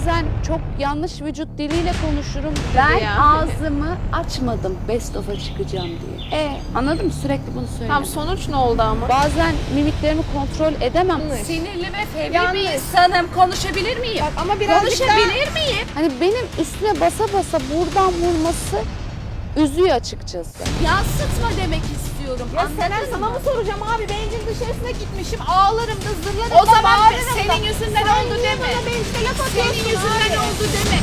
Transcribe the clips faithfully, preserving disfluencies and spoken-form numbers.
Bazen çok yanlış vücut diliyle konuşurum. Ben ya. ağzımı açmadım best of'a çıkacağım diye. E anladın mı? Sürekli bunu söylüyorum. Tamam, sonuç ne oldu ama? Bazen mimiklerimi kontrol edemem. Yanlış. Sinirli ve fevri Yanlış. bir insanım. Konuşabilir miyim? Bak ama birazcık daha... Konuşabilir miyim? Hani benim üstüne basa basa buradan vurması üzüyor açıkçası. Yansıtma demek istiyorum. Ya anladın Senen, mı? sana mı soracağım abi? Bencil dışarısına gitmişim. Ağlarım da zırlarım O da zaman bağırırım da. senin yüzünden Sen oldu niye deme. bana bencile laf Senin atıyorsun yüzünden abi? oldu deme.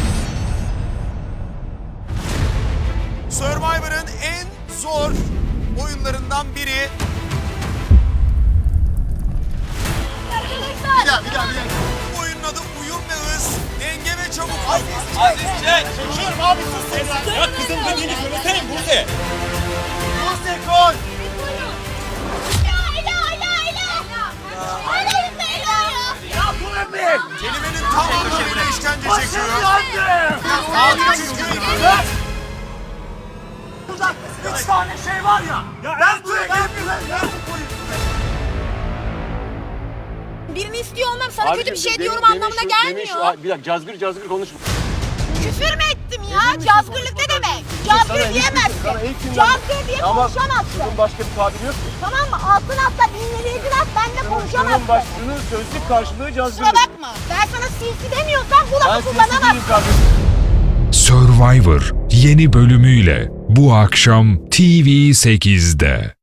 Survivor'ın en zor oyunlarından biri. Bir daha, bir daha, bir daha. Bu oyunun adı uyum ve hız, denge ve çabukluk. Aziz çek. Çekiyorum abi sus sen. Ya kızım dediğini söylesene Buse. Buse koş. Kelimenin tam anlamıyla işkence çekiyor. Yandım. Abi çünkü Burada üç tane şey var ya. Ben buraya gelip Birini istiyor olmam sana kötü bir şey diyorum anlamına gelmiyor. Bir dakika cazgır cazgır konuşma. Küfür mü ettim ya? Cazgırlık ne demek? Cazgır diyemezsin. Cazgır diye konuşamazsın. Bunun başka bir tabiri yok ki. Tamam mı? Altın atla dinleyiciler at benimle konuşamazsın. başlığının sözlük karşılığı cazgır. Kusura bakma. Ben sana sinsi demiyorsam bu lafı kullanamazsın. kardeşim. Survivor yeni bölümüyle bu akşam T V sekizde.